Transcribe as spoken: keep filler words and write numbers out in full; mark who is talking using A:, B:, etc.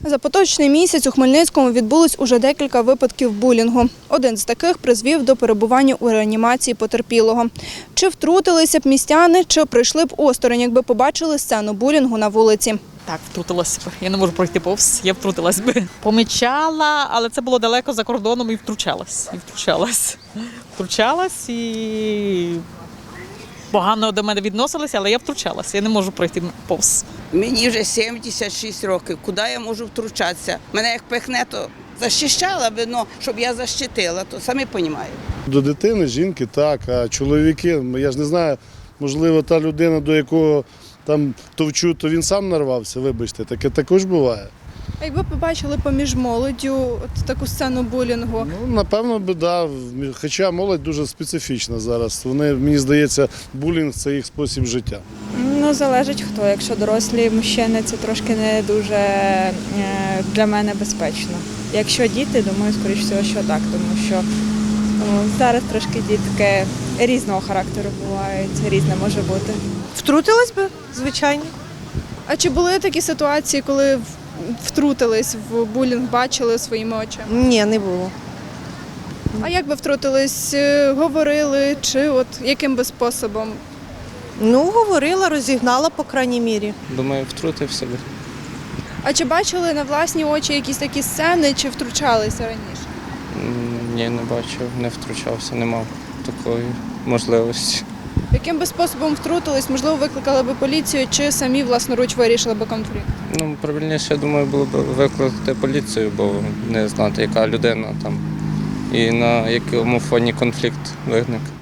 A: За поточний місяць у Хмельницькому відбулось уже декілька випадків булінгу. Один з таких призвів до перебування у реанімації потерпілого. Чи втрутилися б містяни, чи прийшли б осторонь, якби побачили сцену булінгу на вулиці?
B: Так, втрутилась б. Я не можу пройти повз, я втрутилась би. Помічала, але це було далеко за кордоном і втручалась. І втручалась. Втручалась і погано до мене відносилися, але я втручалась. Я не можу пройти повз.
C: Мені вже сімдесят шість років. Куди я можу втручатися? Мене як пихне, то захищала би, ну, щоб я защитила, то самі розумієте.
D: До дитини, жінки так, а чоловіки, я ж не знаю, можливо, та людина, до якого там товчу, то він сам нарвався, вибачте, таке також буває.
A: А якби побачили поміж молоддю от таку сцену булінгу?
D: Ну, напевно, би, да, хоча молодь дуже специфічна зараз. Вони, мені здається, булінг – це їх спосіб життя.
E: Ну, залежить хто. Якщо дорослі мужчини, це трошки не дуже е, для мене безпечно. Якщо діти, думаю, скоріш всього, що так, тому що ну, зараз трошки дітки різного характеру бувають, різне може бути.
F: Втрутилась би, звичайно.
A: А чи були такі ситуації, коли втрутились в булінг, бачили своїми очима?
F: Ні, не було.
A: А як би втрутились? Е, Говорили, чи от яким би способом?
F: Ну, говорила, розігнала, по крайній мірі.
G: Думаю, втрутився би.
A: А чи бачили на власні очі якісь такі сцени, чи втручалися раніше?
G: М, Ні, не бачив, не втручався, не мав такої можливості.
A: Яким би способом втрутились? Можливо, викликали би поліцію, чи самі власноруч вирішили би конфлікт?
G: Ну, правильніше, я думаю, було б викликати поліцію, бо не знати, яка людина там і на якому фоні конфлікт виник.